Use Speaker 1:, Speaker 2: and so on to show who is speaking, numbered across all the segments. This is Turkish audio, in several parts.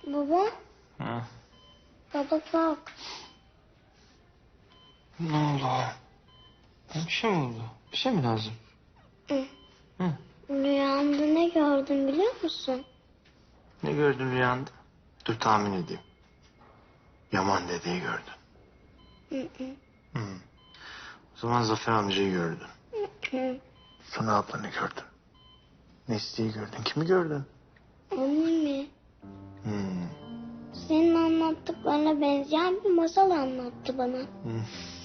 Speaker 1: Baba,
Speaker 2: Ha.
Speaker 1: baba kalk.
Speaker 2: Ne oldu? Bir şey mi oldu? Bir şey mi lazım?
Speaker 1: Hı.
Speaker 2: Hı.
Speaker 1: Rüyamda ne gördüm biliyor musun?
Speaker 2: Ne gördün rüyanda? Dur tahmin edeyim. Yaman dedeyi gördün.
Speaker 1: Hı hı.
Speaker 2: Hı. O zaman Zafer amcayı gördün.
Speaker 1: Hı.
Speaker 2: Sonra ablanı gördün. Nesli'yi gördün. Kimi gördün?
Speaker 1: Annemi.
Speaker 2: Hı.
Speaker 1: Senin anlattıklarına benzeyen bir masal anlattı bana.
Speaker 2: Hı.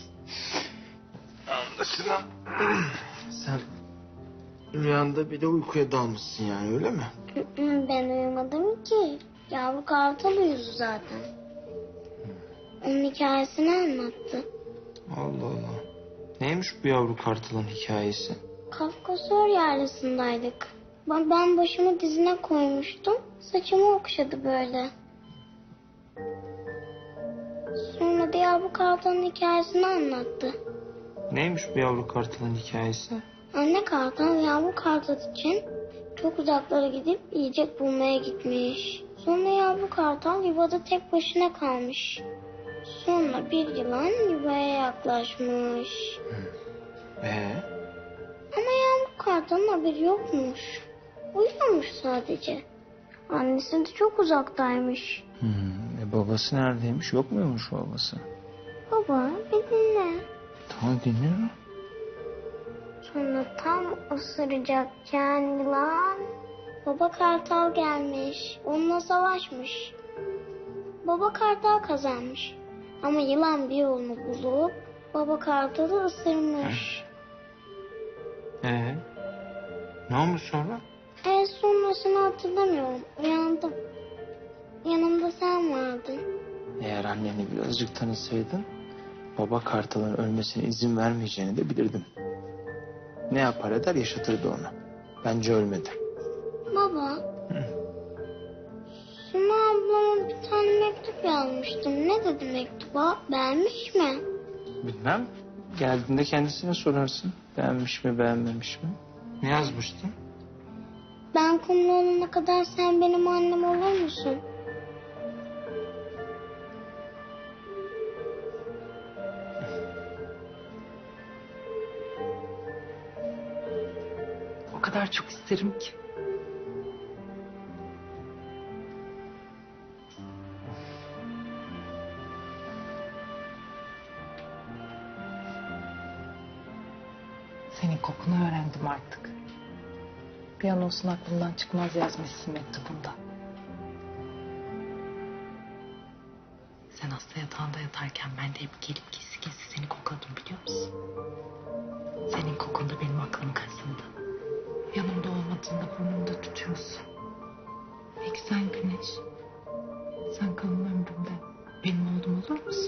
Speaker 2: Anlaşılan sen rüyanda bir de uykuya dalmışsın yani öyle mi?
Speaker 1: Hı hı, ben uyumadım ki. Yavru kartal uyudu zaten. Onun hikayesini anlattı.
Speaker 2: Allah Allah. Neymiş bu yavru kartalın hikayesi?
Speaker 1: Kafkasör yerlisindeydik. Ben başımı dizine koymuştum. Saçımı okşadı böyle. Sonra da yavru kartalın hikayesini anlattı.
Speaker 2: Neymiş bu yavru kartalın hikayesi?
Speaker 1: Anne kartal yavru kartal için çok uzaklara gidip yiyecek bulmaya gitmiş. Sonra yavru kartal yuvada tek başına kalmış. Sonra bir yılan yuvaya yaklaşmış. Ama yavru kartalın haberi yokmuş. Uyuyormuş sadece. Annesi de çok uzaktaymış.
Speaker 2: Babası neredeymiş? Yok muymuş babası?
Speaker 1: Baba bir dinle.
Speaker 2: Tamam dinliyorum.
Speaker 1: Sonra tam ısıracakken yılan baba kartal gelmiş. Onunla savaşmış. Baba kartal kazanmış. Ama yılan bir yolunu bulup baba kartalı ısırmış.
Speaker 2: Ne olmuş sonra?
Speaker 1: Sonrasını hatırlamıyorum. Uyandım. Yanımda sen vardın.
Speaker 2: Eğer anneni birazcık tanısaydın baba kartalın ölmesine izin vermeyeceğini de bilirdin. Ne yapar eder yaşatırdı onu. Bence ölmedi.
Speaker 1: Baba. Suna ablama bir tane mektup yazmıştım. Ne dedi mektuba? Beğenmiş mi?
Speaker 2: Bilmem. Geldiğinde kendisine sorarsın. Beğenmiş mi beğenmemiş mi? Ne yazmıştın?
Speaker 1: Ben kumlu olana kadar sen benim annem olur musun?
Speaker 3: O kadar çok isterim ki. Senin kokunu öğrendim artık. Bir an olsun aklımdan çıkmaz yazmışsın mektubunda. Sen hasta yatağında yatarken ben de hep gelip gizli gizli seni kokladım biliyor musun? Senin kokun da benim aklımı kazındı. Yanımda olmadığında burnumda tutuyorsun. Peki sen Güneş, sen kalan ömrümde benim oğlum olur musun?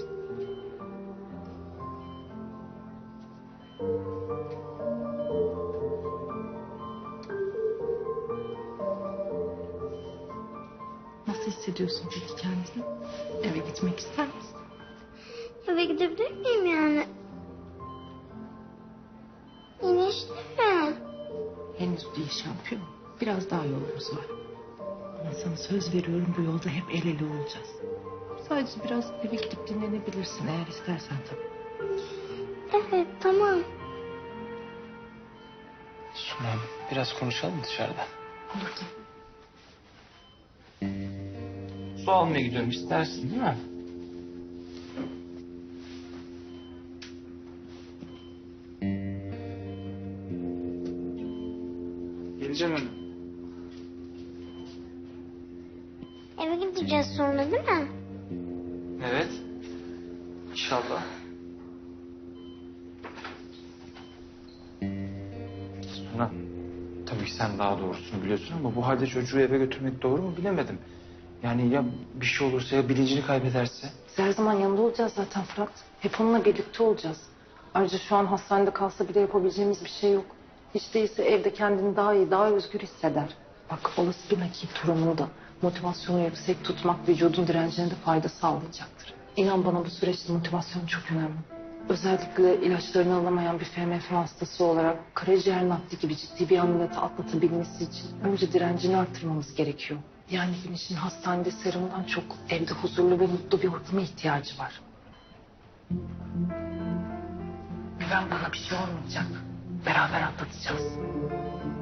Speaker 3: Nasıl hissediyorsun peki kendini? Eve gitmek ister misin?
Speaker 1: Eve gidebilir miyim yani? İnişte mi?
Speaker 3: Henüz değil şampiyon. Biraz daha yolumuz var. Ama sana söz veriyorum bu yolda hep el ele olacağız. Sadece biraz eve gidip dinlenebilirsin eğer istersen tabii.
Speaker 1: Evet tamam.
Speaker 2: Suna biraz konuşalım dışarıda.
Speaker 3: Olur tabii.
Speaker 2: Su almaya gidiyorum istersin değil mi? Geleceğim hemen.
Speaker 1: Eve gideceğiz sonra değil mi?
Speaker 2: Evet. İnşallah. Suna. Tabii ki sen daha doğrusunu biliyorsun ama bu halde çocuğu eve götürmek doğru mu bilemedim. Yani ya bir şey olursa ya bilincini kaybederse?
Speaker 3: Biz her zaman yanında olacağız zaten Fırat. Hep onunla birlikte olacağız. Ayrıca şu an hastanede kalsa bile yapabileceğimiz bir şey yok. Hiç değilse evde kendini daha iyi, daha özgür hisseder. Bak olası bir nakil durumunda motivasyonu yüksek tutmak vücudun direncine de fayda sağlayacaktır. İnan bana bu süreçte motivasyon çok önemli. Özellikle ilaçlarını alamayan bir FMF hastası olarak karaciğer nakli gibi ciddi bir ameliyatı atlatabilmesi için önce direncini arttırmamız gerekiyor. Yani Güneş'in hastanede serumdan çok evde huzurlu ve mutlu bir ortama ihtiyacı var. Güven, bana bir şey olmayacak. Beraber atlatacağız.